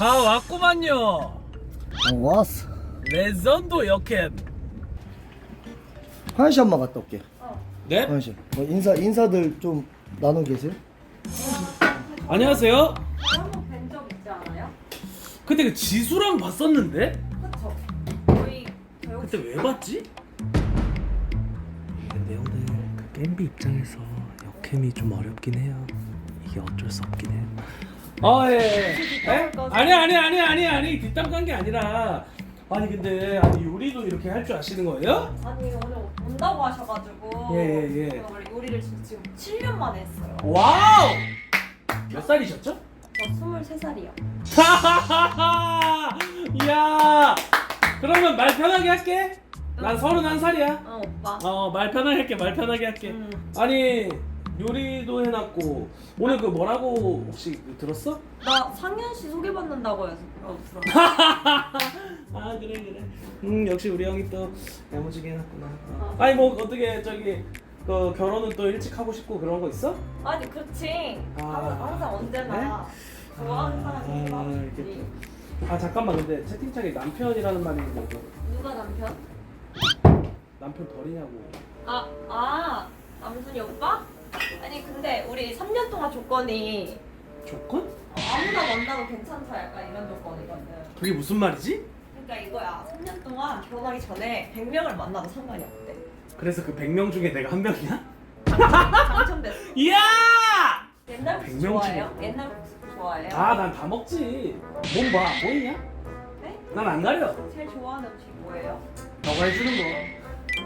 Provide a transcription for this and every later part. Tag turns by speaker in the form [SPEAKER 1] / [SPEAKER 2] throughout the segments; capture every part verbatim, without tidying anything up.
[SPEAKER 1] 다 왔구만요.
[SPEAKER 2] 아, 왔어.
[SPEAKER 1] 레전드 역캠.
[SPEAKER 2] 화장실 한번 갔다 올게.
[SPEAKER 1] 네?
[SPEAKER 2] 화장실. 뭐 인사 인사들 좀 나누 계세요?
[SPEAKER 1] 안녕하세요.
[SPEAKER 3] 한번 뵌 적 있지 않아요?
[SPEAKER 1] 근데 그 지수랑 봤었는데?
[SPEAKER 3] 그쵸? 저희 저희
[SPEAKER 1] 그때 왜 봤지? 근데 형들 그 겜비 입장에서 역캠이 좀 어렵긴 해요. 이게 어쩔 수 없긴 해요. 아 예. 예? 예? 아니 아니 아니 아니 아니 뒷담 깐 게 아니라 아니 근데 아니 요리도 이렇게 할 줄 아시는 거예요?
[SPEAKER 3] 아니 오늘 온다고 하셔가지고
[SPEAKER 1] 예, 예, 예.
[SPEAKER 3] 제가 원래 요리를 지금, 지금 칠 년 만에 했어요.
[SPEAKER 1] 와우! 몇 살이셨죠?
[SPEAKER 3] 저 스물세 살이요.
[SPEAKER 1] 하하하하! 이야! 그러면 말 편하게 할게. 난 서른한 살이야.
[SPEAKER 3] 어 오빠.
[SPEAKER 1] 어, 말 편하게 할게. 말 편하게 할게.
[SPEAKER 3] 음.
[SPEAKER 1] 아니 요리도 해놨고 오늘 그 뭐라고 혹시 들었어?
[SPEAKER 3] 나 상현 씨 소개받는다고 해서 어, 들어.
[SPEAKER 1] 아 그래 그래. 음 역시 우리 형이 또 야무지게 해놨구나. 어. 아니 뭐 어떻게 저기 그 결혼은 또 일찍 하고 싶고 그런 거 있어?
[SPEAKER 3] 아니 그렇지.
[SPEAKER 1] 아.
[SPEAKER 3] 항상, 항상 언제나 좋아하는 사람이
[SPEAKER 1] 아,
[SPEAKER 3] 있어.
[SPEAKER 1] 이렇게 아 잠깐만 근데 채팅창에 남편이라는 말이 있는데
[SPEAKER 3] 누가 남편?
[SPEAKER 1] 남편 버리냐고.
[SPEAKER 3] 아, 아 남순이 오빠? 아니 근데 우리 삼 년 동안 조건이
[SPEAKER 1] 조건?
[SPEAKER 3] 어, 아무나 만나도 괜찮다 약간 이런 조건이거든.
[SPEAKER 1] 그게 무슨 말이지?
[SPEAKER 3] 그러니까 이거야. 삼 년 동안 결혼하기 전에 백 명을 만나도 상관이 없대.
[SPEAKER 1] 그래서 그 백 명 중에 내가 한 명이야?
[SPEAKER 3] 당첨됐어.
[SPEAKER 1] 이야!
[SPEAKER 3] 옛날
[SPEAKER 1] 백
[SPEAKER 3] 국수
[SPEAKER 1] 명
[SPEAKER 3] 좋아해요?
[SPEAKER 1] 중에.
[SPEAKER 3] 옛날 국수 좋아해요?
[SPEAKER 1] 아 난 다 먹지. 몸 봐, 보이냐?
[SPEAKER 3] 네?
[SPEAKER 1] 난 안 가려.
[SPEAKER 3] 제일 좋아하는 음식 뭐예요?
[SPEAKER 1] 너가 해주는 거.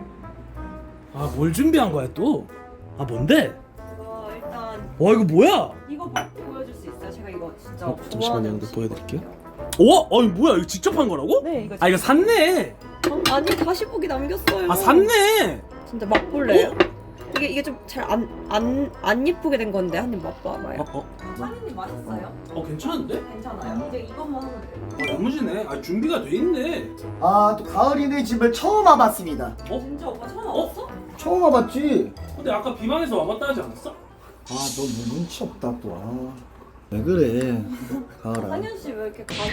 [SPEAKER 1] 아 뭘 준비한 거야 또? 아 뭔데?
[SPEAKER 3] 이거 일단
[SPEAKER 1] 와 이거 뭐야?
[SPEAKER 3] 이거 보- 보여줄 수 있어요? 제가 이거 진짜
[SPEAKER 1] 어, 잠시만요,
[SPEAKER 3] 좋아하는
[SPEAKER 1] 형들
[SPEAKER 3] 음식.
[SPEAKER 1] 보여드릴게요. 오? 아니 뭐야 이거 직접 한 거라고?
[SPEAKER 3] 네 이거
[SPEAKER 1] 아 이거 샀네.
[SPEAKER 3] 어, 아니 다시 보기 남겼어요.
[SPEAKER 1] 아 샀네.
[SPEAKER 3] 진짜 맛볼래요? 이게 이게 좀 잘 안 안 안 예쁘게 된 건데 한 입 맛봐봐요.
[SPEAKER 1] 어 어.
[SPEAKER 3] 사장님 맛있어요?
[SPEAKER 1] 어 괜찮은데?
[SPEAKER 3] 괜찮아요? 이제 이것만 하면 돼요.
[SPEAKER 1] 어 야무지네. 아 준비가 돼 있네.
[SPEAKER 2] 아, 또 가을이네 집을 처음 와봤습니다.
[SPEAKER 1] 어?
[SPEAKER 3] 진짜 오빠 처음
[SPEAKER 1] 어?
[SPEAKER 3] 와봤어?
[SPEAKER 2] 처음 와봤지?
[SPEAKER 1] 근데 아까 비방에서 와봤다 하지 않았어?
[SPEAKER 2] 아, 너 눈치 없다 또. 아, 왜 그래, 가을아.
[SPEAKER 3] 상현 씨 왜 이렇게 감이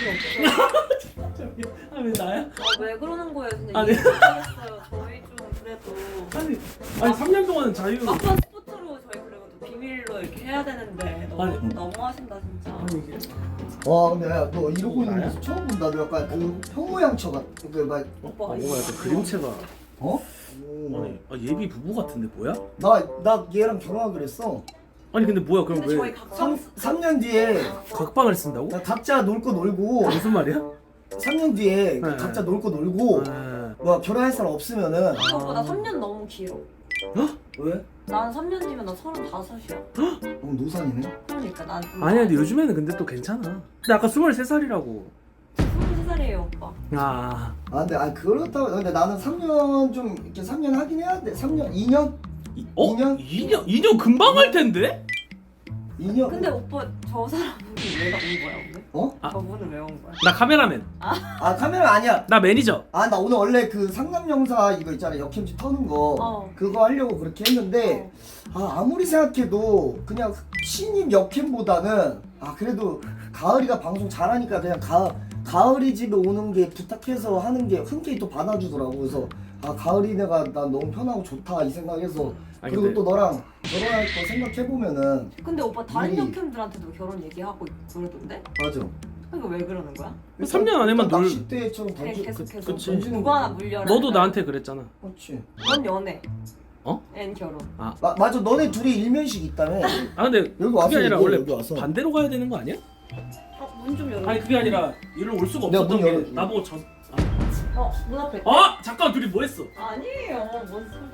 [SPEAKER 3] 없어요?
[SPEAKER 1] 아왜 나야?
[SPEAKER 3] 아, 왜 그러는 거예요? 진짜
[SPEAKER 1] 아니.
[SPEAKER 3] 이해 못하겠어요. 저희 좀 그래도
[SPEAKER 1] 아니 아니 삼 년 동안은 자유.
[SPEAKER 3] 막판 스포츠로 저희 그래도 비밀로 이렇게 해야 되는데 너무
[SPEAKER 1] 아니.
[SPEAKER 3] 너무 하신다 진짜.
[SPEAKER 1] 아니 이게
[SPEAKER 2] 와, 근데 야, 너 이러고 있는
[SPEAKER 1] 나야?
[SPEAKER 2] 모습 처음 본다. 너 약간 그 현모양처 같. 그막
[SPEAKER 3] 오빠가
[SPEAKER 1] 뭐가 약간 그림체가.
[SPEAKER 2] 어?
[SPEAKER 1] 아니 아, 예비 부부 같은데 뭐야?
[SPEAKER 2] 나나 얘랑 결혼하기로 했어.
[SPEAKER 1] 아니 근데 뭐야 그럼
[SPEAKER 3] 근데 저희
[SPEAKER 1] 왜
[SPEAKER 3] 각각
[SPEAKER 2] 삼 년 뒤에
[SPEAKER 1] 각방을 쓴다고?
[SPEAKER 2] 나 각자 놀 거 놀고
[SPEAKER 1] 무슨 말이야?
[SPEAKER 2] 삼 년 뒤에
[SPEAKER 1] 네.
[SPEAKER 2] 각자 놀 거 놀고
[SPEAKER 1] 아,
[SPEAKER 2] 뭐 결혼할 사람 없으면은
[SPEAKER 3] 오빠 나 삼 년 너무 길어.
[SPEAKER 1] 어?
[SPEAKER 2] 왜?
[SPEAKER 3] 난 삼 년 뒤면 나 서른다섯이야.
[SPEAKER 2] 너무 노산이네.
[SPEAKER 3] 그러니까 난 좀
[SPEAKER 1] 아니야 근데 요즘에는 근데 또 괜찮아. 근데 아까 스물세 살이라고.
[SPEAKER 3] 스물세 살이에요 오빠.
[SPEAKER 1] 아,
[SPEAKER 2] 아 근데 아 그렇다고 근데 나는 삼 년 좀 이렇게 삼 년 하긴 해야 돼. 삼 년, 이 년,
[SPEAKER 1] 이, 어?
[SPEAKER 2] 이 년?
[SPEAKER 1] 이 년? 이 년 금방 할 텐데?
[SPEAKER 2] 이 년.
[SPEAKER 3] 근데 오빠 저 사람은 왜 온 거야 오늘?
[SPEAKER 2] 어?
[SPEAKER 1] 아.
[SPEAKER 3] 저분은 왜 온 거야?
[SPEAKER 1] 나 카메라맨.
[SPEAKER 2] 아 카메라 아니야.
[SPEAKER 1] 나 매니저.
[SPEAKER 2] 아 나 오늘 원래 그 상남 영사 이거 있잖아 역캠지 터는 거
[SPEAKER 3] 어.
[SPEAKER 2] 그거 하려고 그렇게 했는데 아 아무리 생각해도 그냥 신입 역캠보다는 아 그래도 가을이가 방송 잘하니까 그냥 가 가을이 집에 오는 게 부탁해서 하는 게 흔쾌히 또 받아주더라고. 그래서 아 가을이네가 난 너무 편하고 좋다 이 생각해서
[SPEAKER 1] 아니,
[SPEAKER 2] 그리고
[SPEAKER 1] 근데-
[SPEAKER 2] 또 너랑 결혼할 거 생각해 보면은
[SPEAKER 3] 근데 오빠 다른
[SPEAKER 2] 미리-
[SPEAKER 3] 역캠들한테도 결혼 얘기하고 있고 그러던데?
[SPEAKER 2] 맞아.
[SPEAKER 3] 이거 왜 그러는 거야?
[SPEAKER 1] 삼 년 안에만 놀-
[SPEAKER 2] 낚싯대처럼
[SPEAKER 3] 그냥
[SPEAKER 2] 던지
[SPEAKER 3] 계속
[SPEAKER 2] 그-
[SPEAKER 3] 계속
[SPEAKER 1] 그치.
[SPEAKER 3] 누구 하나 물려라.
[SPEAKER 1] 너도 나한테 그랬잖아.
[SPEAKER 2] 그렇지.
[SPEAKER 3] 넌 연애.
[SPEAKER 1] 어?
[SPEAKER 3] 앤 결혼.
[SPEAKER 1] 아,
[SPEAKER 2] 마, 맞아 너네 둘이 일면식 있다며.
[SPEAKER 1] 아 근데
[SPEAKER 2] 여기 와서
[SPEAKER 1] 그게 아니라
[SPEAKER 2] 얘기해,
[SPEAKER 1] 원래
[SPEAKER 2] 여기 와서.
[SPEAKER 1] 반대로 가야 되는 거 아니야?
[SPEAKER 3] 어, 문 좀 열어.
[SPEAKER 1] 아니 그게 아니라 일로 올 수가
[SPEAKER 2] 내가
[SPEAKER 1] 없었던
[SPEAKER 2] 문
[SPEAKER 1] 게
[SPEAKER 2] 열어줄게.
[SPEAKER 1] 나보고 저.
[SPEAKER 3] 어, 문 앞에.
[SPEAKER 1] 아, 어? 잠깐 둘이 뭐 했어?
[SPEAKER 3] 아니에요. 뭔 소리.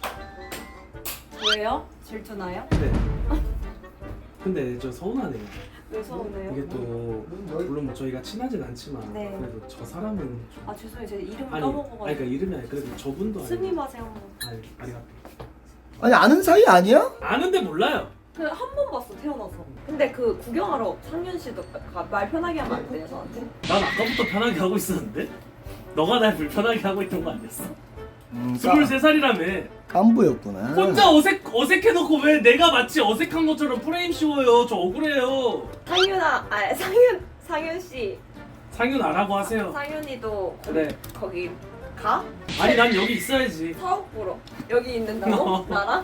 [SPEAKER 3] 왜요? 질투나요?
[SPEAKER 1] 네. 근데 저 서운하네요.
[SPEAKER 3] 왜 서운해요?
[SPEAKER 1] 이게 또 물론 뭐 저희가 친하진 않지만
[SPEAKER 3] 네.
[SPEAKER 1] 그래도 저 사람은 좀...
[SPEAKER 3] 아 죄송해요. 제가 이름을
[SPEAKER 1] 아니, 아니
[SPEAKER 3] 까먹어가지고.
[SPEAKER 1] 그러니까 이름이 아니 그래도 저분도 아니고
[SPEAKER 3] 스미마세 한 번.
[SPEAKER 1] 아니 아리가또
[SPEAKER 2] 아니 아는 사이 아니야?
[SPEAKER 1] 아는데 몰라요.
[SPEAKER 3] 그 한 번 봤어 태어나서. 근데 그 구경하러 상윤 씨도 가- 말 편하게 하면 안 돼요 저한테?
[SPEAKER 1] 난 아까부터 편하게 하고 있었는데 너가 날 불편하게 하고 있던 거 아니었어?
[SPEAKER 2] 음,
[SPEAKER 1] 스물세 살이라며
[SPEAKER 2] 깐부였구나.
[SPEAKER 1] 혼자 어색, 어색해놓고 왜 내가 마치 어색한 것처럼 프레임 씌워요. 저 억울해요.
[SPEAKER 3] 상윤아, 아 상윤 상현 씨,
[SPEAKER 1] 상윤 아라고 하세요.
[SPEAKER 3] 상현이도
[SPEAKER 1] 그래.
[SPEAKER 3] 거기 가?
[SPEAKER 1] 아니 난 여기 있어야지.
[SPEAKER 3] 사업 보러 여기 있는다고? 나랑?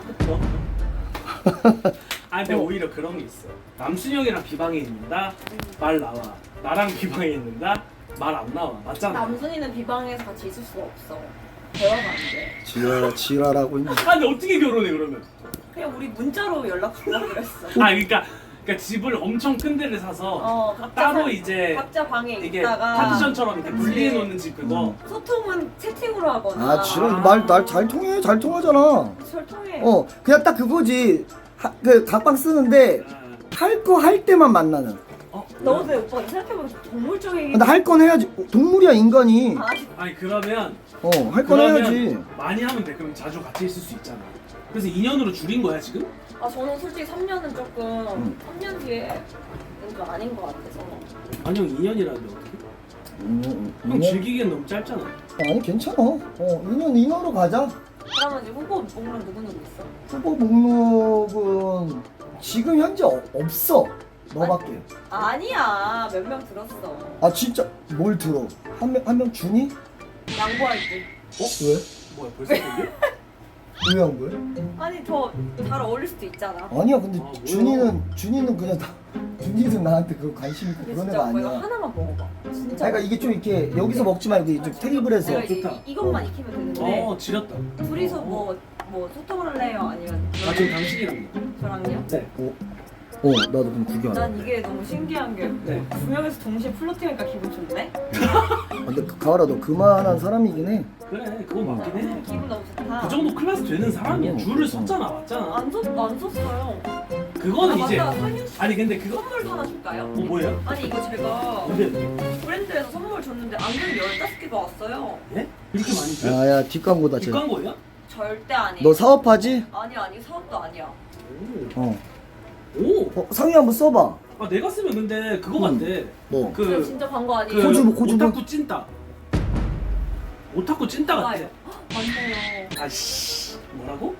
[SPEAKER 1] 아 근데 오히려 그런 게 있어. 남순영이랑 비방에 있는다 말 나와. 나랑 비방에 있는다 말 안 나와. 맞잖아.
[SPEAKER 3] 남순이는 비방에서 같이 있을 수가 없어. 대화가 안 돼.
[SPEAKER 2] 지랄 지랄하고 있네.
[SPEAKER 1] 아 근데 어떻게 결혼해 그러면?
[SPEAKER 3] 그냥 우리 문자로 연락하려고 그랬어.
[SPEAKER 1] 아 그러니까 그러니까 집을 엄청 큰 데를 사서
[SPEAKER 3] 어, 각자
[SPEAKER 1] 따로
[SPEAKER 3] 사-
[SPEAKER 1] 이제
[SPEAKER 3] 각자 방에
[SPEAKER 1] 이게
[SPEAKER 3] 있다가
[SPEAKER 1] 파티션처럼 이렇게
[SPEAKER 3] 그치.
[SPEAKER 1] 분리해 놓는 집 그거.
[SPEAKER 3] 소통은 채팅으로 하거나.
[SPEAKER 2] 아 지랄 말날 잘 통해 잘 통하잖아.
[SPEAKER 3] 절통해.
[SPEAKER 2] 어 그냥 딱 그거지. 하, 그 각방 쓰는데
[SPEAKER 1] 아,
[SPEAKER 2] 할 거 할 때만 만나는.
[SPEAKER 1] 어?
[SPEAKER 3] 너도 왜 오빠 생각해보면 동물적인.
[SPEAKER 2] 근데 할 건 해야지. 동물이야 인간이.
[SPEAKER 3] 아니,
[SPEAKER 1] 아니 그러면
[SPEAKER 2] 어 할 건
[SPEAKER 1] 그러면
[SPEAKER 2] 해야지.
[SPEAKER 1] 많이 하면 돼. 그럼 자주 같이 있을 수 있잖아. 그래서 이 년으로 줄인 거야 지금?
[SPEAKER 3] 아 저는 솔직히 삼 년은 조금
[SPEAKER 2] 음.
[SPEAKER 3] 삼 년 뒤에 좀 아닌 것 같아서.
[SPEAKER 1] 아니 형 이 년이라는데 어떻게?
[SPEAKER 2] 음, 음,
[SPEAKER 1] 형
[SPEAKER 2] 이 년?
[SPEAKER 1] 즐기기엔 너무 짧잖아.
[SPEAKER 2] 아니 괜찮아. 어 이 년 이 년으로 가자.
[SPEAKER 3] 그러면 이제 후보 목록 누구 누구 있어?
[SPEAKER 2] 후보 목록은 지금 현재 어, 없어. 너밖에.
[SPEAKER 3] 아니야 몇 명 들었어.
[SPEAKER 2] 아 진짜 뭘 들어? 한 명 한 명 준이?
[SPEAKER 3] 양보할 때.
[SPEAKER 2] 어 왜?
[SPEAKER 1] 뭐야 벌써 그게?
[SPEAKER 2] 왜 한 거야?
[SPEAKER 3] 아니 더 잘 어울릴 수도 있잖아.
[SPEAKER 2] 아니야 근데
[SPEAKER 1] 아, 뭐야?
[SPEAKER 2] 준이는 준이는 그냥 다 준이는 나한테 그 관심 있고
[SPEAKER 3] 근데
[SPEAKER 2] 그런
[SPEAKER 3] 진짜
[SPEAKER 2] 애가
[SPEAKER 3] 오빠 이거
[SPEAKER 2] 아니야.
[SPEAKER 3] 하나만 먹어봐. 진짜.
[SPEAKER 2] 그러니까 이게 좀 이렇게 여기서 먹지 말고 좀 테이블에서.
[SPEAKER 3] 내가 이제
[SPEAKER 1] 좋다.
[SPEAKER 3] 이, 이것만 익히면 되는데
[SPEAKER 1] 어 지렸다.
[SPEAKER 3] 둘이서 뭐, 뭐 소통을 할래요? 아니면
[SPEAKER 1] 나 지금 당신이랑.
[SPEAKER 3] 저랑요?
[SPEAKER 1] 네.
[SPEAKER 2] 어, 어 나도 그럼 구경.
[SPEAKER 3] 난 이게 너무 신기한 게
[SPEAKER 1] 네.
[SPEAKER 3] 두 명에서 동시에 플러팅하니까 기분 좋네?
[SPEAKER 2] 근데 그- 가을아 너 그만한 사람이긴 해.
[SPEAKER 1] 그래 그거 맞긴 해.
[SPEAKER 3] 기분 너무 좋다.
[SPEAKER 1] 그 정도 클래스 되는 사람이야.
[SPEAKER 2] 어,
[SPEAKER 1] 줄을 섰잖아 맞잖아.
[SPEAKER 3] 안, 썼, 안 썼어요.
[SPEAKER 1] 그거는
[SPEAKER 3] 아,
[SPEAKER 1] 이제
[SPEAKER 3] 맞다. 상윤 씨
[SPEAKER 1] 아니 근데 그거
[SPEAKER 3] 선물도 하나 줄까요?
[SPEAKER 1] 어 뭐예요?
[SPEAKER 3] 아니 이거 제가
[SPEAKER 1] 근데
[SPEAKER 3] 브랜드에서 선물 줬는데 안경이 열다섯 개가 왔어요.
[SPEAKER 1] 예? 이렇게 많이 줘요?
[SPEAKER 2] 야야 뒷광고다 쟤.
[SPEAKER 1] 뒷광고예요?
[SPEAKER 3] 절대 아니에요.
[SPEAKER 2] 너 사업하지?
[SPEAKER 3] 아니 아니 사업도 아니야.
[SPEAKER 2] 어.
[SPEAKER 1] 오.
[SPEAKER 2] 어 상위 한번 써봐.
[SPEAKER 1] 아 내가 쓰면 근데 그거
[SPEAKER 2] 음.
[SPEAKER 1] 같대.
[SPEAKER 2] 뭐?
[SPEAKER 3] 그
[SPEAKER 1] 그
[SPEAKER 3] 진짜 광고
[SPEAKER 1] 그
[SPEAKER 3] 아니에요?
[SPEAKER 2] 코주, 코주.
[SPEAKER 1] 오타쿠 찐따. 오타쿠 찐따 같아.
[SPEAKER 3] 맞아요. 맞아요.
[SPEAKER 1] 아씨 뭐라고?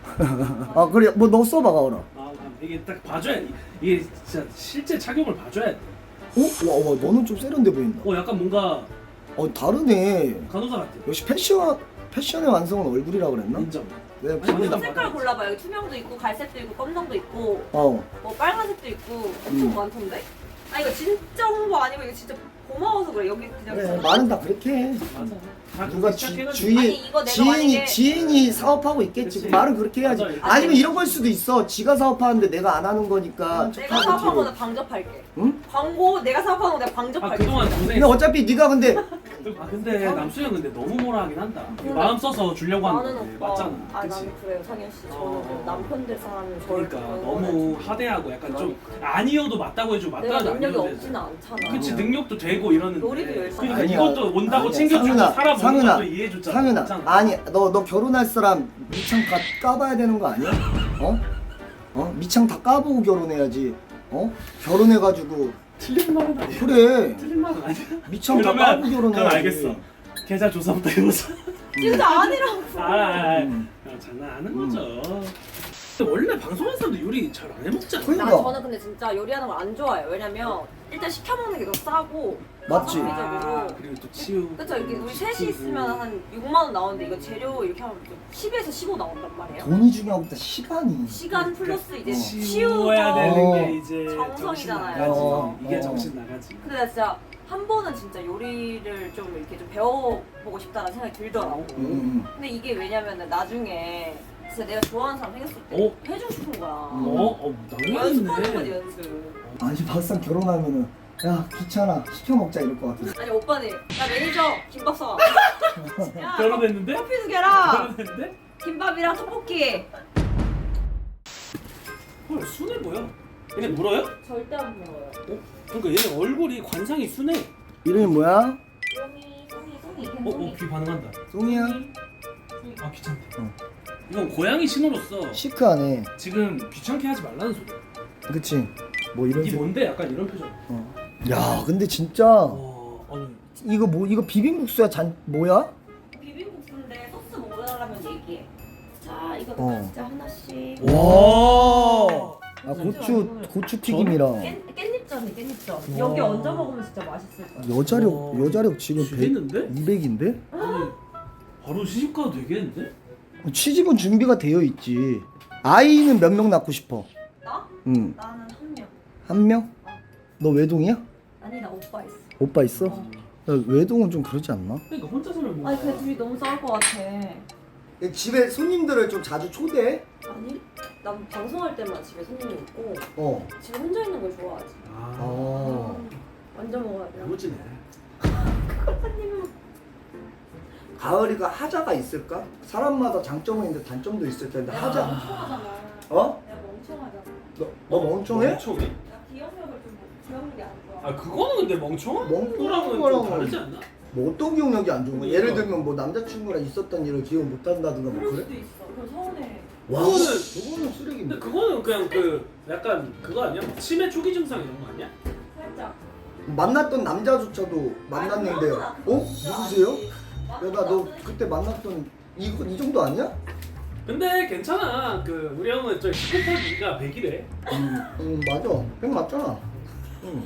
[SPEAKER 2] 아 그래 뭐 너 써봐 가을아.
[SPEAKER 1] 아 이게 딱 봐줘야 돼. 이게 진짜 실제 착용을 봐줘야 돼.
[SPEAKER 2] 어? 와, 와 너는 좀 세련돼 보인다.
[SPEAKER 1] 어 약간 뭔가
[SPEAKER 2] 어 다르네.
[SPEAKER 1] 간호사 같아.
[SPEAKER 2] 역시 패션 패션의 완성은 얼굴이라 그랬나?
[SPEAKER 1] 인정.
[SPEAKER 2] 내가
[SPEAKER 1] 아니,
[SPEAKER 2] 보면
[SPEAKER 1] 일단
[SPEAKER 3] 색깔 골라봐. 여기 투명도 있고 갈색도 있고 검정도 있고
[SPEAKER 2] 어.
[SPEAKER 3] 뭐 빨간색도 있고 엄청
[SPEAKER 2] 음.
[SPEAKER 3] 많던데? 아 이거 진짜 홍보 아니고 이거 진짜 고마워서 그래. 여기 그냥
[SPEAKER 2] 그래 말은 다 그렇게 해.
[SPEAKER 1] 맞아. 다
[SPEAKER 2] 누가
[SPEAKER 1] 그렇게
[SPEAKER 2] 주,
[SPEAKER 1] 시작해가지고.
[SPEAKER 2] 주인
[SPEAKER 3] 아니, 이거 내가
[SPEAKER 2] 지인이
[SPEAKER 3] 만약에-
[SPEAKER 2] 지인이 사업하고 있겠지.
[SPEAKER 1] 그치.
[SPEAKER 2] 말은 그렇게 해야지.
[SPEAKER 1] 맞아.
[SPEAKER 2] 아니면 이런 걸 수도 있어. 지가 사업하는데 내가 안 하는 거니까.
[SPEAKER 3] 내가 사업한 거는 방접할게.
[SPEAKER 2] 응?
[SPEAKER 3] 광고 내가 사업한 거 내가
[SPEAKER 1] 아
[SPEAKER 3] 방접할게.
[SPEAKER 1] 그동안
[SPEAKER 2] 근데
[SPEAKER 1] 고생.
[SPEAKER 2] 어차피 네가 근데
[SPEAKER 1] 아 근데 남수영 근데 너무 뭐라 하긴 한다. 마음 써서 주려고 하는
[SPEAKER 3] 나는
[SPEAKER 1] 건데
[SPEAKER 3] 오빠.
[SPEAKER 1] 맞잖아.
[SPEAKER 3] 아
[SPEAKER 1] 그치?
[SPEAKER 3] 나는 그래요 상현 씨. 저는
[SPEAKER 1] 어.
[SPEAKER 3] 그 남편 될 사람은 저를
[SPEAKER 1] 그러니까
[SPEAKER 3] 그런
[SPEAKER 1] 너무
[SPEAKER 3] 거는
[SPEAKER 1] 하대하고 약간 좀
[SPEAKER 3] 그러니까.
[SPEAKER 1] 아니어도 맞다고 해주고
[SPEAKER 3] 내가
[SPEAKER 1] 맞다고
[SPEAKER 3] 능력이
[SPEAKER 1] 아니어도
[SPEAKER 3] 없지는 않잖아.
[SPEAKER 1] 그치
[SPEAKER 2] 아니야.
[SPEAKER 1] 능력도 되고 이러는데
[SPEAKER 3] 요리도 열심히
[SPEAKER 1] 그러니까
[SPEAKER 2] 아니야.
[SPEAKER 1] 이것도 온다고
[SPEAKER 2] 아니야.
[SPEAKER 1] 챙겨주고
[SPEAKER 2] 상윤아,
[SPEAKER 1] 살아보는
[SPEAKER 2] 상윤아,
[SPEAKER 1] 것도 이해해줬잖아.
[SPEAKER 2] 상윤아
[SPEAKER 1] 맞잖아.
[SPEAKER 2] 아니 너 너 결혼할 사람 미창 다 까봐야 되는 거 아니야? 어? 어? 미창 다 까보고 결혼해야지. 어? 결혼해가지고
[SPEAKER 1] 틀린 말은 아니야.
[SPEAKER 2] 그래
[SPEAKER 1] 틀린 말은 아니야.
[SPEAKER 2] 미창 다 까고
[SPEAKER 1] 그러면
[SPEAKER 2] 결혼해야지.
[SPEAKER 1] 그럼 알겠어. 계좌 조사부터 해보자.
[SPEAKER 3] 진짜 아니라고.
[SPEAKER 1] 아, 아, 아.
[SPEAKER 2] 음.
[SPEAKER 1] 그냥 장난하는 거죠. 근데 원래 방송하는 사람도 요리 잘 안 해먹잖아.
[SPEAKER 2] 그러니까.
[SPEAKER 3] 나 저는 근데 진짜 요리하는 걸 안 좋아해요. 왜냐면 일단 시켜 먹는 게 더 싸고
[SPEAKER 2] 맞지?
[SPEAKER 3] 가성비적으로.
[SPEAKER 1] 그리고 또 치우.
[SPEAKER 3] 그쵸 이렇게 우리 셋이 있으면 한 육만 원 나오는데 이거 재료 이렇게 하면 좀 십에서 십오 나온단 말이에요.
[SPEAKER 2] 돈이 중요한 것보다 시간이.
[SPEAKER 3] 시간 플러스 이제
[SPEAKER 2] 어.
[SPEAKER 3] 치우고.
[SPEAKER 1] 치워야 되는
[SPEAKER 2] 어.
[SPEAKER 1] 게 이제
[SPEAKER 3] 정성이잖아요.
[SPEAKER 1] 정신 나가지.
[SPEAKER 2] 어.
[SPEAKER 1] 이게
[SPEAKER 2] 어.
[SPEAKER 1] 정신 나가지.
[SPEAKER 3] 근데 나 진짜 한 번은 진짜 요리를 좀 이렇게 좀 배워보고 싶다는 생각이 들더라고.
[SPEAKER 2] 음, 음.
[SPEAKER 3] 근데 이게 왜냐면은 나중에 진짜 내가 좋아하는 사람 생겼을 때
[SPEAKER 1] 어?
[SPEAKER 3] 해주고 싶은 거야.
[SPEAKER 1] 어? 어, 낭만
[SPEAKER 3] 연습하는 거지
[SPEAKER 1] 있네.
[SPEAKER 3] 연습.
[SPEAKER 2] 아니 막상 결혼하면은 야 귀찮아 시켜 먹자 이럴 것 같아.
[SPEAKER 3] 아니 오빠는 야 매니저 김밥 사. 야
[SPEAKER 1] 결혼했는데?
[SPEAKER 3] 커피 두 개랑
[SPEAKER 1] 결혼했는데?
[SPEAKER 3] 김밥이랑 떡볶이.
[SPEAKER 1] 헐 순해 보여. 얘네 물어요?
[SPEAKER 3] 절대 안 먹어요.
[SPEAKER 1] 어? 그러니까 얘네 얼굴이 관상이 순해.
[SPEAKER 2] 이름이 뭐야?
[SPEAKER 3] 이름이 송이 송이
[SPEAKER 1] 어? 어? 귀 반응한다.
[SPEAKER 2] 송이야.
[SPEAKER 1] 아 귀찮대.
[SPEAKER 2] 어.
[SPEAKER 1] 이건 고양이 신호로서
[SPEAKER 2] 시크하네.
[SPEAKER 1] 지금 귀찮게 하지 말라는 소리야.
[SPEAKER 2] 그치? 뭐 이런
[SPEAKER 1] 이게
[SPEAKER 2] 색.
[SPEAKER 1] 뭔데? 약간 이런 표정.
[SPEAKER 2] 어. 야 근데 진짜
[SPEAKER 1] 어, 아니
[SPEAKER 2] 이거 뭐 이거 비빔국수야 잔 뭐야?
[SPEAKER 3] 비빔국수인데 소스 먹으려면 얘기해. 자 이거
[SPEAKER 2] 어.
[SPEAKER 3] 진짜 하나씩.
[SPEAKER 1] 와.
[SPEAKER 2] 아 고추 고추 튀김이랑.
[SPEAKER 3] 깻 깻잎전 맛있다는 게 깻잎죠.
[SPEAKER 1] 와.
[SPEAKER 3] 여기 얹어 먹으면 진짜 맛있을 거야.
[SPEAKER 2] 여자력
[SPEAKER 1] 와,
[SPEAKER 2] 여자력 지금
[SPEAKER 1] 죽겠는데?
[SPEAKER 2] 이백인데?
[SPEAKER 1] 아니 바로 시집 가도 되겠는데?
[SPEAKER 2] 취직은 준비가 되어 있지. 아이는 몇 명 낳고 싶어?
[SPEAKER 3] 나?
[SPEAKER 2] 응.
[SPEAKER 3] 나는 한 명.
[SPEAKER 2] 한 명? 너 외동이야?
[SPEAKER 3] 아니 나 오빠 있어.
[SPEAKER 2] 오빠 있어?
[SPEAKER 3] 어.
[SPEAKER 2] 야, 외동은 좀 그러지 않나?
[SPEAKER 1] 그러니까 혼자 살면 뭐
[SPEAKER 3] 아니 근데 둘이 너무 싸울 것 같아.
[SPEAKER 2] 집에 손님들을 좀 자주 초대해?
[SPEAKER 3] 아니 난 방송할 때만 집에 손님이 있고
[SPEAKER 2] 어.
[SPEAKER 3] 집에 혼자 있는 걸 좋아하지.
[SPEAKER 1] 아
[SPEAKER 2] 어.
[SPEAKER 3] 완전 먹어야 돼.
[SPEAKER 1] 야무지네.
[SPEAKER 2] 가을이가 하자가 있을까? 사람마다 장점은 있는데 단점도 있을 텐데 하자.
[SPEAKER 3] 멍청하잖아.
[SPEAKER 2] 어?
[SPEAKER 3] 내가 멍청하잖아.
[SPEAKER 2] 너, 너 멍청해?
[SPEAKER 1] 멍청해?
[SPEAKER 3] 나 기억력을 좀 기억력이 안 좋아.
[SPEAKER 1] 아 그거는 근데 멍청한
[SPEAKER 2] 멍청한
[SPEAKER 1] 거랑은
[SPEAKER 2] 거랑은
[SPEAKER 1] 좀 다르지 않나?
[SPEAKER 2] 뭐 어떤 기억력이 안 좋은 거야? 예를
[SPEAKER 1] 그러니까.
[SPEAKER 2] 들면 뭐 남자친구랑 있었던 일을 기억 못 한다든가 뭐
[SPEAKER 3] 그럴
[SPEAKER 2] 그래?
[SPEAKER 3] 수도 있어. 그럼 서운해.
[SPEAKER 2] 와,
[SPEAKER 1] 그거는-
[SPEAKER 2] 그거는
[SPEAKER 1] 근데
[SPEAKER 2] 쓰레기인데.
[SPEAKER 1] 그거는 그냥 그 약간 그거 아니야? 치매 초기 증상 이런 거 아니야?
[SPEAKER 3] 살짝.
[SPEAKER 2] 만났던 남자조차도 만났는데 어? 누구세요? 내가 너 그때 만났던 이거 이 정도 아니야?
[SPEAKER 1] 근데 괜찮아. 그 우리 형은 저 시크하기가 백이래.
[SPEAKER 2] 응, 응 맞아. 백 맞잖아. 응.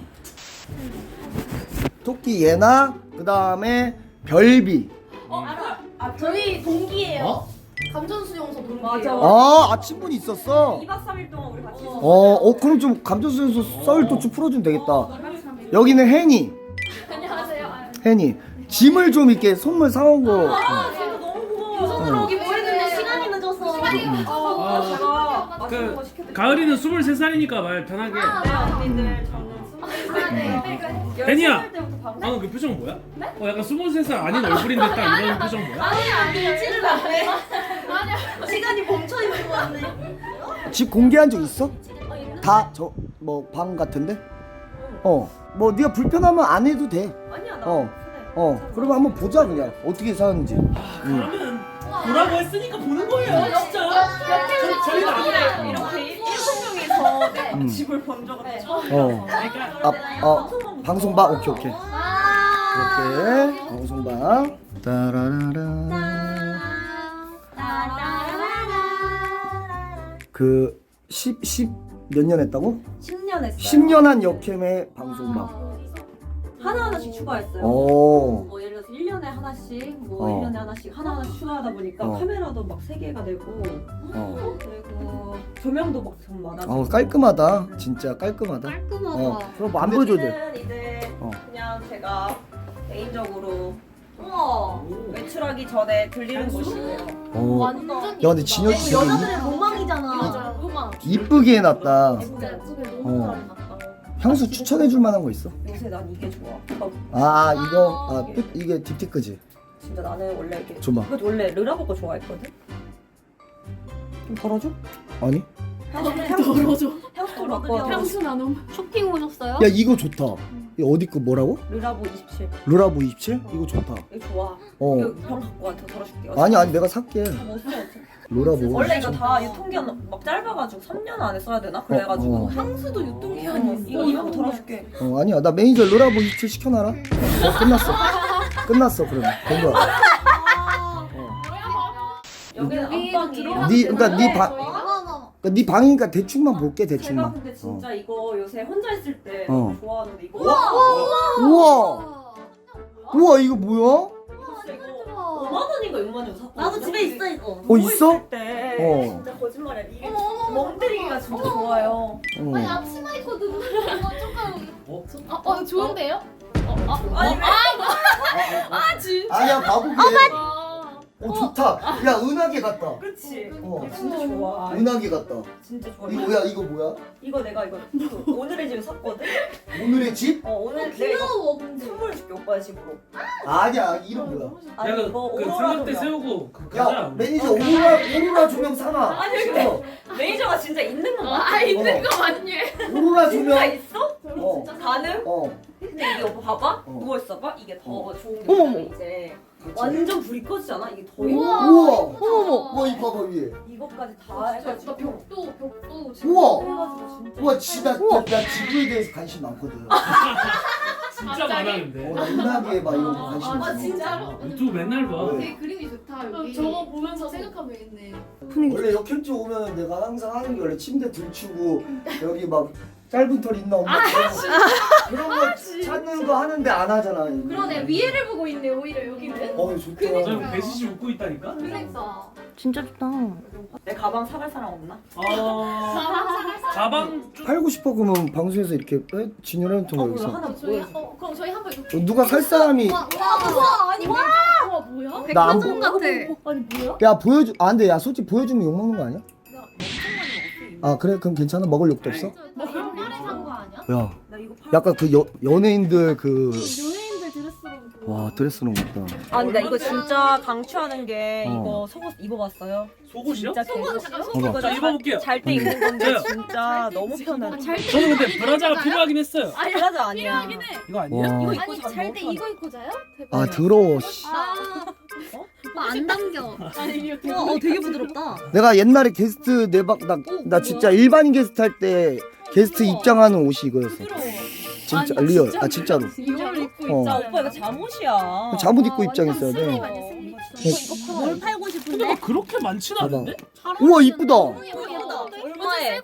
[SPEAKER 2] 토끼 예나 그 다음에 별비.
[SPEAKER 3] 어 알아. 아
[SPEAKER 4] 저희 동기예요.
[SPEAKER 2] 어?
[SPEAKER 4] 감전수용소 동기예요.
[SPEAKER 3] 맞아.
[SPEAKER 2] 아, 아 친분이 있었어.
[SPEAKER 3] 이 박 삼 일 동안 우리 같이 있었어.
[SPEAKER 2] 어, 어 그럼 좀 감정수에서 썰 또 좀 풀어주면 되겠다. 여기는 혜니,
[SPEAKER 4] 안녕하세요. 아,
[SPEAKER 2] 혜니. 짐을 좀 이렇게 선물 사온 거.
[SPEAKER 3] 아 진짜 너무 고마워.
[SPEAKER 4] 우선으로 오기 뭐 했는데 시간이 늦어서. 시간이 늦어서.
[SPEAKER 3] 아, 제가 맛있는 거
[SPEAKER 1] 그
[SPEAKER 3] 시켜드릴게요.
[SPEAKER 1] 가을이는 스물세 살이니까 말 편하게.
[SPEAKER 3] 네 언니들 저는 스무 살 때
[SPEAKER 1] 혜니야.
[SPEAKER 3] 열세 살 때부터 방송.
[SPEAKER 1] 방금 그 표정 뭐야? 어 약간 스물세 살 아닌 얼굴인데 딱 이런 표정 뭐야?
[SPEAKER 4] 아니 아니 치를 안 해. 아니야. 시간이 멈춰 있는 거 같네.
[SPEAKER 2] 집 공개한 적 있어?
[SPEAKER 4] 어, 있는?
[SPEAKER 2] 다 저 뭐 방 같은데? 어. 뭐 네가 불편하면 안 해도 돼.
[SPEAKER 3] 아니야 나.
[SPEAKER 2] 어. 어. 그러면 한번 보자 그냥 어떻게 사는지. 응.
[SPEAKER 1] 그러면 보라고 했으니까 보는 거예요 진짜. 저- 저희는 아니에요.
[SPEAKER 3] 이렇게 일곱 명이서 내
[SPEAKER 2] 음.
[SPEAKER 3] 집을 본 적은 처음.
[SPEAKER 2] 어.
[SPEAKER 3] 그러니까
[SPEAKER 2] 아, 어. 방송방 오케이 오케이.
[SPEAKER 4] 아.
[SPEAKER 2] 이렇게 방송방. 따라라라. 그 십, 십 몇 년 했다고?
[SPEAKER 3] 십 년 했어요.
[SPEAKER 2] 십 년 한 역캠의 방송방.
[SPEAKER 3] 하나하나씩 추가했어요.
[SPEAKER 2] 오.
[SPEAKER 3] 뭐 예를 들어서 일 년에 하나씩, 뭐
[SPEAKER 2] 어.
[SPEAKER 3] 일 년에 하나씩 하나하나씩 추가하다 보니까
[SPEAKER 2] 어.
[SPEAKER 3] 카메라도 막 세 개가 되고
[SPEAKER 2] 어.
[SPEAKER 3] 그리고 조명도 막 좀 많아지고.
[SPEAKER 2] 어 깔끔하다. 진짜 깔끔하다.
[SPEAKER 4] 깔끔하다.
[SPEAKER 2] 어. 그럼 안 보여줘도 돼.
[SPEAKER 3] 여기는 이제
[SPEAKER 2] 어.
[SPEAKER 3] 그냥 제가 개인적으로
[SPEAKER 4] 우와.
[SPEAKER 3] 외출하기 전에 들리는 곳이에요.
[SPEAKER 2] 어.
[SPEAKER 4] 완전.
[SPEAKER 2] 야 근데 진혁이
[SPEAKER 4] 이거
[SPEAKER 2] 되게
[SPEAKER 4] 여자들의 로망이잖아.
[SPEAKER 3] 맞아.
[SPEAKER 4] 로망.
[SPEAKER 2] 이쁘게 해놨다.
[SPEAKER 4] 진짜 예쁘게 너무
[SPEAKER 2] 어.
[SPEAKER 4] 잘 해놨다.
[SPEAKER 2] 향수 추천해줄 만한 거 있어?
[SPEAKER 3] 요새 난 이게 좋아. 어,
[SPEAKER 2] 아 이거 아 끝 이게 딥티크지.
[SPEAKER 3] 진짜 나는 원래 이게
[SPEAKER 2] 줘봐.
[SPEAKER 3] 이거 원래 르라보 거 좋아했거든. 좀 덜어줘?
[SPEAKER 2] 아니?
[SPEAKER 3] 향수 향수
[SPEAKER 4] 덜어줘.
[SPEAKER 3] 향수 좀 바꿔.
[SPEAKER 4] 향수 나눔. 쇼핑 오셨어요?
[SPEAKER 2] 야 이거 좋다. 이거 어디 거 뭐라고?
[SPEAKER 3] 르라보 이십칠.
[SPEAKER 2] 루라보 이십칠? 이거 좋다.
[SPEAKER 3] 이거 좋아.
[SPEAKER 2] 어.
[SPEAKER 3] 이거 병 갖고 와. 더 덜어줄게.
[SPEAKER 2] 아니 아니 내가 살게.
[SPEAKER 3] 뭐 써?
[SPEAKER 2] 루라보.
[SPEAKER 3] 원래 이거 다 유통기한 막 짧아가지고 삼 년 안에 써야 되나? 그래가지고
[SPEAKER 2] 어, 어.
[SPEAKER 4] 향수도 유통기한이 있어.
[SPEAKER 3] 이거 이거 덜어줄게.
[SPEAKER 2] 어 아니야 나 매니저 루라보 이십칠 시켜놔라. 어, 끝났어. 끝났어 그러면 된 거야. 어.
[SPEAKER 3] 여기는
[SPEAKER 4] 여기
[SPEAKER 3] 안방이에요.
[SPEAKER 4] 들어가-
[SPEAKER 2] 네 그러니까 네 방.
[SPEAKER 4] 저희가 하나.
[SPEAKER 2] 그러니까 네 방이니까 대충만 볼게
[SPEAKER 3] 제가
[SPEAKER 2] 대충만.
[SPEAKER 3] 근데 진짜 이거 요새 혼자 있을 때
[SPEAKER 2] 어.
[SPEAKER 3] 너무 좋아하는데 이거
[SPEAKER 2] 우와. 우와 이거 뭐야?
[SPEAKER 3] 진짜 이거 오만 원인가 육만 원 샀거든요.
[SPEAKER 4] 나도 집에 있어 이거.
[SPEAKER 2] 어 있어?
[SPEAKER 3] 있을 때
[SPEAKER 2] 어.
[SPEAKER 3] 진짜 거짓말이야. 이게
[SPEAKER 4] 어머, 어머, 어머.
[SPEAKER 3] 멍때리기가 진짜 좋아요.
[SPEAKER 2] 어.
[SPEAKER 4] 아니 앞치마 입거든. 이거 조금.
[SPEAKER 1] 어?
[SPEAKER 4] 아, 어 좋은데요? 어, 아,
[SPEAKER 3] 아니 왜?
[SPEAKER 4] 아 진짜.
[SPEAKER 2] 아니야 바보게.
[SPEAKER 4] 아.
[SPEAKER 2] 어 좋다. 야 은하계 같다.
[SPEAKER 3] 그치?
[SPEAKER 2] 어.
[SPEAKER 3] 이거 진짜 좋아.
[SPEAKER 2] 은하계 같다.
[SPEAKER 3] 진짜 좋아.
[SPEAKER 2] 이거 뭐야 이거 뭐야?
[SPEAKER 3] 이거 내가 이거 그 오늘의 집에 샀거든?
[SPEAKER 2] 오늘의 집?
[SPEAKER 3] 어 오늘 내가 이거
[SPEAKER 4] 귀여워 근데.
[SPEAKER 3] 선물해줄게 오빠의 집으로.
[SPEAKER 2] 아니야 이름 뭐야?
[SPEAKER 3] 아니
[SPEAKER 1] 내가
[SPEAKER 3] 이거
[SPEAKER 1] 그
[SPEAKER 3] 오로라
[SPEAKER 1] 삼각대
[SPEAKER 3] 조명.
[SPEAKER 1] 세우고 그
[SPEAKER 2] 야
[SPEAKER 1] 가자.
[SPEAKER 2] 매니저 오로라 오로라 조명 사놔.
[SPEAKER 3] 아니, 근데- 매니저가 진짜 있는 거 같아.
[SPEAKER 4] 아 있는
[SPEAKER 2] 어.
[SPEAKER 4] 거 맞니?
[SPEAKER 2] 오로라
[SPEAKER 3] 진짜
[SPEAKER 2] 조명.
[SPEAKER 3] 있어?
[SPEAKER 2] 어.
[SPEAKER 3] 가능?
[SPEAKER 2] 어.
[SPEAKER 3] 근데 이게 오빠 봐봐.
[SPEAKER 2] 어.
[SPEAKER 3] 누워 있어봐. 이게 더 좋은 게
[SPEAKER 2] 어머머.
[SPEAKER 3] 뭐냐면 이제 완전 불이 꺼지잖아. 이게 더 예뻐.
[SPEAKER 4] 우와.
[SPEAKER 2] 우와.
[SPEAKER 4] 어머머.
[SPEAKER 2] 우와 이 봐봐 위에.
[SPEAKER 3] 이것까지 다
[SPEAKER 4] 아, 진짜
[SPEAKER 3] 해가지고
[SPEAKER 4] 진짜 벽도 벽도 진짜.
[SPEAKER 2] 우와.
[SPEAKER 3] 해가지고 진짜.
[SPEAKER 2] 우와 진짜 나, 나 지구에 대해서 관심 많거든. 어,
[SPEAKER 1] 진짜 많았는데.
[SPEAKER 2] 나 은하계 막 이런 거 관심
[SPEAKER 4] 아,
[SPEAKER 2] 많아.
[SPEAKER 4] 진짜로?
[SPEAKER 1] 유튜브 맨날 봐.
[SPEAKER 2] 네.
[SPEAKER 4] 되게 그림이 좋다 여기. 저거 보면서 생각하면 되겠네.
[SPEAKER 2] 원래 역캠집 오면 내가 항상 하는 게 원래 침대 들추고 여기 막 짧은 털 있나 없나 그런 거, 그런 거 찾는 거 하는데 안 하잖아.
[SPEAKER 4] 그러네 위에를 보고 있네 오히려 여기는.
[SPEAKER 2] 어 좋다.
[SPEAKER 1] 저 배시시 웃고 있다니까.
[SPEAKER 4] 그러니까.
[SPEAKER 5] 진짜 좋다.
[SPEAKER 3] 내 가방 사갈 사람 없나?
[SPEAKER 1] 어 가방 좀
[SPEAKER 2] 팔고 싶어 그러면 방송에서 이렇게 에? 진열해 놓던 거 여기서.
[SPEAKER 3] 하나
[SPEAKER 4] 저희 어 그럼 저희 한번 이거.
[SPEAKER 2] 어, 누가 살 사람이
[SPEAKER 4] 와, 와, 와, 아니 와, 와 뭐야?
[SPEAKER 2] 나 안
[SPEAKER 4] 백화점
[SPEAKER 2] 보.
[SPEAKER 4] 같아. 아니 뭐야?
[SPEAKER 2] 야 보여주. 아 근데 야 솔직히 보여주면 욕 먹는 거 아니야? 아 그래 그럼 괜찮아. 먹을 욕도 없어?
[SPEAKER 4] 나 옛날에 산 거 아니야?
[SPEAKER 2] 야 약간 그 여, 연예인들 그.
[SPEAKER 4] 연예인들 드레스로.
[SPEAKER 2] 와 드레스는 못다.
[SPEAKER 3] 아 근데 나 이거 진짜 강추하는 게
[SPEAKER 2] 어.
[SPEAKER 3] 이거 속옷 입어봤어요?
[SPEAKER 1] 속옷이요?
[SPEAKER 3] 진짜
[SPEAKER 4] 속옷
[SPEAKER 3] 개좋-
[SPEAKER 4] 잠깐
[SPEAKER 2] 봐봐.
[SPEAKER 1] 자 입어볼게요.
[SPEAKER 3] 잘 때 입는 건데
[SPEAKER 1] 네.
[SPEAKER 3] 진짜 너무 편해.
[SPEAKER 1] 저는 근데 브라자가 필요하긴 했어요.
[SPEAKER 3] 아니 브라자 아니야.
[SPEAKER 4] 필요하긴 해.
[SPEAKER 1] 이거 아니야?
[SPEAKER 2] 와.
[SPEAKER 3] 입고
[SPEAKER 4] 아니
[SPEAKER 3] 자면
[SPEAKER 4] 잘 때
[SPEAKER 3] 너무
[SPEAKER 4] 이거 입고 자요? 대박.
[SPEAKER 2] 아 더러워. 씨.
[SPEAKER 4] 아. 오빠 안 당겨. 아니 이렇게.
[SPEAKER 5] 와, 어, 되게 부드럽다.
[SPEAKER 2] 내가 옛날에 게스트 내박 나, 나 진짜 일반인 게스트 할 때 게스트 입장하는 옷이 이거였어. 진짜
[SPEAKER 4] 아니,
[SPEAKER 2] 리얼.
[SPEAKER 4] 진짜로?
[SPEAKER 2] 아 진짜로.
[SPEAKER 4] 이걸 입고
[SPEAKER 2] 어.
[SPEAKER 3] 자 오빠 이거 잠옷이야.
[SPEAKER 2] 잠옷 입고 입장했어야
[SPEAKER 4] 스님
[SPEAKER 2] 돼.
[SPEAKER 4] 아니야 스님.
[SPEAKER 5] 뭘 팔고
[SPEAKER 1] 근데
[SPEAKER 5] 싶은데?
[SPEAKER 1] 막 그렇게 많지는
[SPEAKER 2] 봐봐.
[SPEAKER 1] 않은데?
[SPEAKER 2] 우와 이쁘다.
[SPEAKER 3] 예쁘다. 얼마에?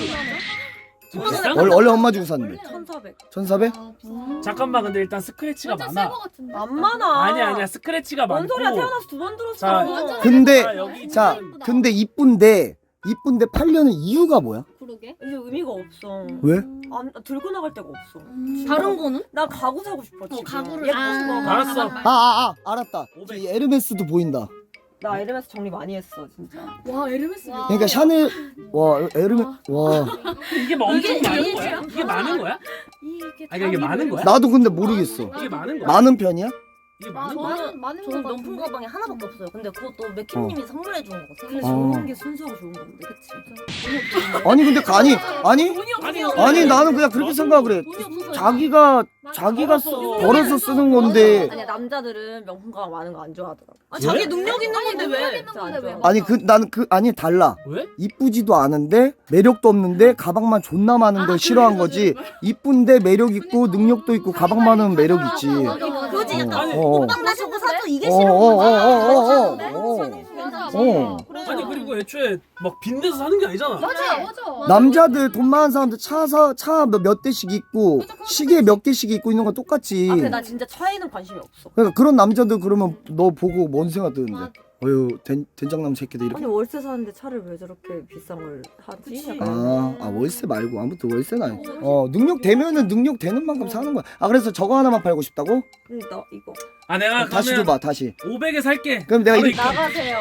[SPEAKER 1] 비싼?
[SPEAKER 2] 원래 원래 엄마 주고 샀는데.
[SPEAKER 3] 천사백.
[SPEAKER 2] 천사백?
[SPEAKER 1] 잠깐만 근데 일단 스크래치가
[SPEAKER 4] 완전
[SPEAKER 1] 많아.
[SPEAKER 4] 새거 같은데.
[SPEAKER 3] 안 많아.
[SPEAKER 1] 아니야 아니야 스크래치가
[SPEAKER 3] 뭔
[SPEAKER 1] 많고.
[SPEAKER 3] 소리야 태어나서 두 번 들었어.
[SPEAKER 1] 자,
[SPEAKER 4] 완전
[SPEAKER 2] 근데
[SPEAKER 1] 자, 여기
[SPEAKER 2] 자
[SPEAKER 1] 지금
[SPEAKER 2] 근데 이쁜데 이쁜데 팔려는 이유가 뭐야?
[SPEAKER 4] 그러게.
[SPEAKER 3] 이게 의미가 없어.
[SPEAKER 2] 왜?
[SPEAKER 3] 안 들고 나갈 데가 없어.
[SPEAKER 5] 다른 거는?
[SPEAKER 3] 나 가구 사고 싶어 지금.
[SPEAKER 4] 가구를-
[SPEAKER 3] 예쁜
[SPEAKER 4] 아.
[SPEAKER 3] 거.
[SPEAKER 1] 알았어.
[SPEAKER 2] 아 아 아 알았다.
[SPEAKER 1] 오백.
[SPEAKER 2] 이 에르메스도 보인다.
[SPEAKER 3] 나 에르메스 정리 많이 했어 진짜.
[SPEAKER 4] 와 에르메스.
[SPEAKER 2] 그러니까 샤넬 와 에르메 와
[SPEAKER 1] 이게 뭐 엄청
[SPEAKER 5] 이게-
[SPEAKER 1] 많은
[SPEAKER 5] 이게
[SPEAKER 1] 거야? 이게 많은 거야?
[SPEAKER 4] 이게
[SPEAKER 1] 아니 이게 많은 거야?
[SPEAKER 2] 나도 근데 모르겠어.
[SPEAKER 1] 이게 많은 거야?
[SPEAKER 2] 많은 편이야?
[SPEAKER 1] 이게 많은 거야?
[SPEAKER 4] 많은 많은
[SPEAKER 5] 저는
[SPEAKER 4] 거
[SPEAKER 5] 명품 가방이 하나밖에 없어요. 근데 그것도 맥킴님이 선물해 주는 거거든요.
[SPEAKER 3] 그래서
[SPEAKER 2] 어.
[SPEAKER 3] 좋은 게 순수하고 좋은 건데 그치?
[SPEAKER 2] 아니 근데 그- 아니 아니
[SPEAKER 1] 아니
[SPEAKER 2] 아니 나는 그냥 그렇게 생각을 해.
[SPEAKER 5] 돈이 없어서
[SPEAKER 2] 자기가 자기가 쓰- 벌어서 쓰는 건데
[SPEAKER 3] 아니야 남자들은 명품 가방 많은 거 안 좋아하더라고.
[SPEAKER 5] 아,
[SPEAKER 1] 왜?
[SPEAKER 5] 자기 능력 있는 건데 왜?
[SPEAKER 4] 있는 건데 왜?
[SPEAKER 2] 아니 그 나는 그 아니 달라.
[SPEAKER 1] 왜?
[SPEAKER 2] 이쁘지도 않은데 매력도 없는데 가방만 존나 많은 걸 싫어한 거지. 이쁜데 매력 있고 능력도 있고 가방 많으면 매력 있지.
[SPEAKER 5] 그거지
[SPEAKER 2] 어,
[SPEAKER 5] 약간
[SPEAKER 2] 어, 어.
[SPEAKER 5] 오빠 나 저거 사줘 이게
[SPEAKER 2] 어,
[SPEAKER 5] 싫은
[SPEAKER 2] 어,
[SPEAKER 5] 거지.
[SPEAKER 2] 어, 어, 어,
[SPEAKER 5] 맞아.
[SPEAKER 2] 어.
[SPEAKER 4] 맞아.
[SPEAKER 2] 어.
[SPEAKER 1] 아니 그리고 애초에 막 빈대서 사는 게 아니잖아.
[SPEAKER 4] 맞아 맞아.
[SPEAKER 2] 남자들 돈 많은 사람들 차사차 몇 대씩 있고 시계 몇 개씩 있고 있는 건 똑같지.
[SPEAKER 3] 아 근데 나 진짜 차에는 관심이 없어.
[SPEAKER 2] 그러니까 그런 남자들 그러면 너 보고 뭔 생각 드는데? 어휴 된, 된장남 새끼들 이렇게.
[SPEAKER 3] 아니 월세 사는데 차를 왜 저렇게 비싼 걸 사지? 약간
[SPEAKER 2] 아, 아 월세 말고 아무튼 월세는 아니고. 어 능력 되면은 능력 되는 만큼 사는 거야. 아 그래서 저거 하나만 팔고 싶다고?
[SPEAKER 3] 근데 나 이거
[SPEAKER 1] 아 내가
[SPEAKER 2] 다시
[SPEAKER 1] 그러면
[SPEAKER 2] 줘봐 다시.
[SPEAKER 1] 오백에 살게.
[SPEAKER 2] 그럼 내가
[SPEAKER 1] 바로
[SPEAKER 2] 이-
[SPEAKER 1] 입금.
[SPEAKER 3] 나가세요.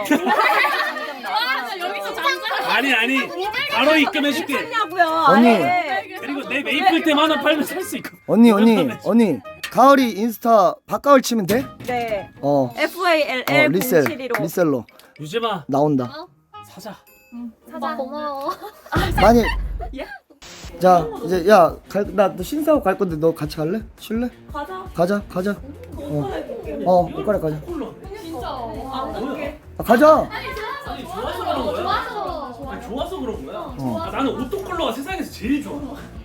[SPEAKER 4] 여기서 장사.
[SPEAKER 1] 아니 아니 바로 입금해줄게.
[SPEAKER 3] 했냐고요?
[SPEAKER 2] 언니.
[SPEAKER 3] 아예.
[SPEAKER 1] 그리고 내 메이플템 하나 팔면 살 수 있고.
[SPEAKER 2] 언니 언니 언니 가을이 인스타 바가을 치면 돼?
[SPEAKER 3] 네.
[SPEAKER 2] 어.
[SPEAKER 3] F A L
[SPEAKER 2] 어
[SPEAKER 3] L
[SPEAKER 2] 리셀
[SPEAKER 3] 공칠일오.
[SPEAKER 2] 리셀러
[SPEAKER 1] 유재마
[SPEAKER 2] 나온다.
[SPEAKER 1] 사자.
[SPEAKER 4] 사자 고마워.
[SPEAKER 2] 많이.
[SPEAKER 3] 예?
[SPEAKER 2] 자 이제 야나너 신사옥 갈 건데 너 같이 갈래? 쉴래?
[SPEAKER 3] 가자.
[SPEAKER 2] 가자 가자. 어. 어 옷갈아 가자.
[SPEAKER 1] 콜로.
[SPEAKER 4] 진짜.
[SPEAKER 2] 아, 가자.
[SPEAKER 1] 아니 좋아서 그런 거야.
[SPEAKER 4] 좋아서.
[SPEAKER 1] 아니, 좋아서 그런 거야.
[SPEAKER 2] 어.
[SPEAKER 1] 아, 나는 오토 컬러가 세상에서 제일 좋아.